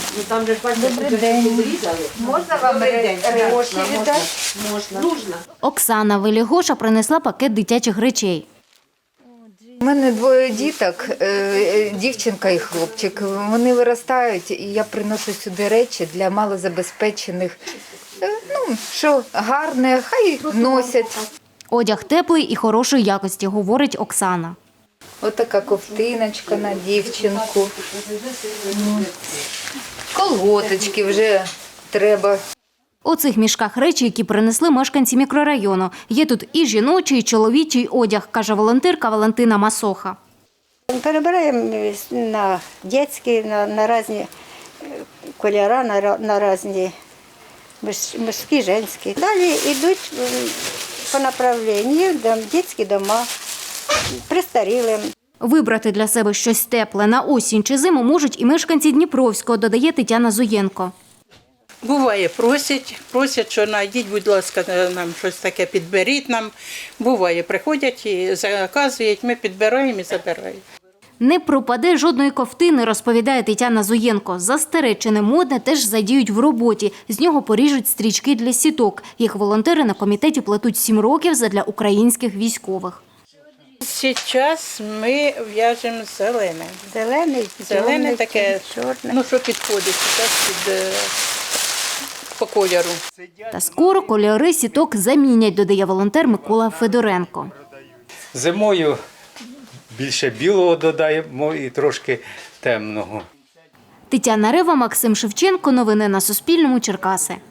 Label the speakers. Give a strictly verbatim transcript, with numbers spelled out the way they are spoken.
Speaker 1: Ну, там же ж бачите,
Speaker 2: Добрий день. Можна вам гроші віддати?
Speaker 1: Можна. Нужно.
Speaker 3: Оксана Велігоша принесла пакет дитячих речей.
Speaker 2: У мене двоє діток, е, дівчинка і хлопчик. Вони виростають, і я приношу сюди речі для малозабезпечених. Е, Ну, що гарне, хай носять.
Speaker 3: Одяг теплий і хорошої якості, говорить Оксана.
Speaker 2: Ось така ковтиночка на дівчинку. Колготочки вже треба.
Speaker 3: У цих мішках речі, які принесли мешканці мікрорайону. Є тут і жіночий, і чоловічий одяг, каже волонтерка Валентина Масоха.
Speaker 4: Перебираємо на дитячі, на, на різні кольори, на, на різні мужські, жінські. Далі йдуть по направленню дитячі дома, престарілим.
Speaker 3: Вибрати для себе щось тепле на осінь чи зиму можуть і мешканці Дніпровського, додає Тетяна Зуєнко.
Speaker 5: Буває, просять, просять, що знайдіть, будь ласка, нам щось таке підберіть нам. Буває, приходять і заказують, ми підбираємо і забираємо.
Speaker 3: Не пропаде жодної ковтини, розповідає Тетяна Зуєнко. Застаре чи не модне теж задіють в роботі. З нього поріжуть стрічки для сіток. Їх волонтери на комітеті плетуть сім років задля українських військових.
Speaker 5: Зараз ми в'яжемо зелене.
Speaker 4: Зелений,
Speaker 5: Зелене
Speaker 4: чорний,
Speaker 5: таке,
Speaker 4: чорний.
Speaker 5: ну що підходить зараз під, е, по кольору.
Speaker 3: Та скоро кольори сіток замінять, додає волонтер Микола Федоренко.
Speaker 6: Зимою більше білого додаємо і трошки темного.
Speaker 3: Тетяна Рева, Максим Шевченко. Новини на Суспільному. Черкаси.